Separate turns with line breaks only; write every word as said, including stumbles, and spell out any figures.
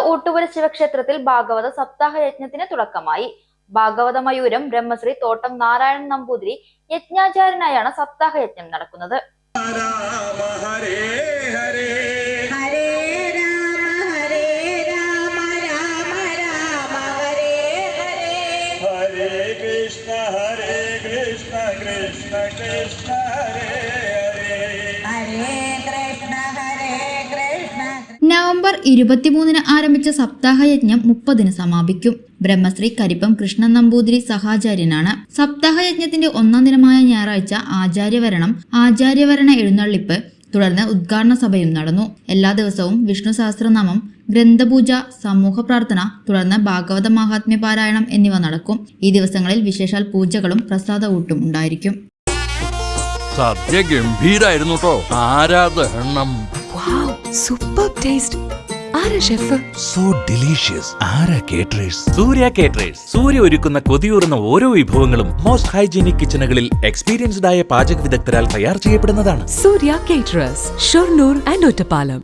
ഊട്ടുപുര ശിവക്ഷേത്രത്തിൽ ഭാഗവത സപ്താഹ യജ്ഞത്തിന് തുടക്കമായി. ഭാഗവത മയൂരം ബ്രഹ്മശ്രീ തോട്ടം നാരായണൻ നമ്പൂതിരി യജ്ഞാചാര്യനായാണ് സപ്താഹ യജ്ഞം നടക്കുന്നത്.
നവംബർ ഇരുപത്തിമൂന്നിന് ആരംഭിച്ച സപ്താഹയജ്ഞം മുപ്പതിന് സമാപിക്കും. ബ്രഹ്മശ്രീ കരിപ്പം കൃഷ്ണൻ നമ്പൂതിരി സഹാചാര്യനാണ്. സപ്താഹയജ്ഞത്തിന്റെ ഒന്നാം ദിനമായ ഞായറാഴ്ച ആചാര്യവരണം, ആചാര്യവരണ എഴുന്നള്ളിപ്പ്, തുടർന്ന് ഉദ്ഘാടന സഭയും നടന്നു. എല്ലാ ദിവസവും വിഷ്ണു സഹസ്രനാമം, ഗ്രന്ഥപൂജ, സമൂഹ പ്രാർത്ഥന, തുടർന്ന് ഭാഗവത മഹാത്മ്യ പാരായണം എന്നിവ നടക്കും. ഈ ദിവസങ്ങളിൽ വിശേഷാൽ പൂജകളും പ്രസാദ ഊട്ടും ഉണ്ടായിരിക്കും.
സദ്യ ഗംഭീരായിരുന്നു കേട്ടോ. ആരാധനം.
Super taste. ആരാ ഷെഫ്?
So delicious. ആരാ കേറ്ററേഴ്സ്?
സൂര്യ കേറ്ററേഴ്സ്. സൂര്യ ഒരുക്കുന്ന കൊതിയൂറുന്ന ഓരോ വിഭവങ്ങളും മോസ്റ്റ് ഹൈജീനിക് കിച്ചണുകളിൽ എക്സ്പീരിയൻസ്ഡ് ആയ പാചക വിദഗ്ധരാൽ തയ്യാർ ചെയ്യപ്പെടുന്നതാണ്.
Surya caterers, Shoranur and Ottapalam.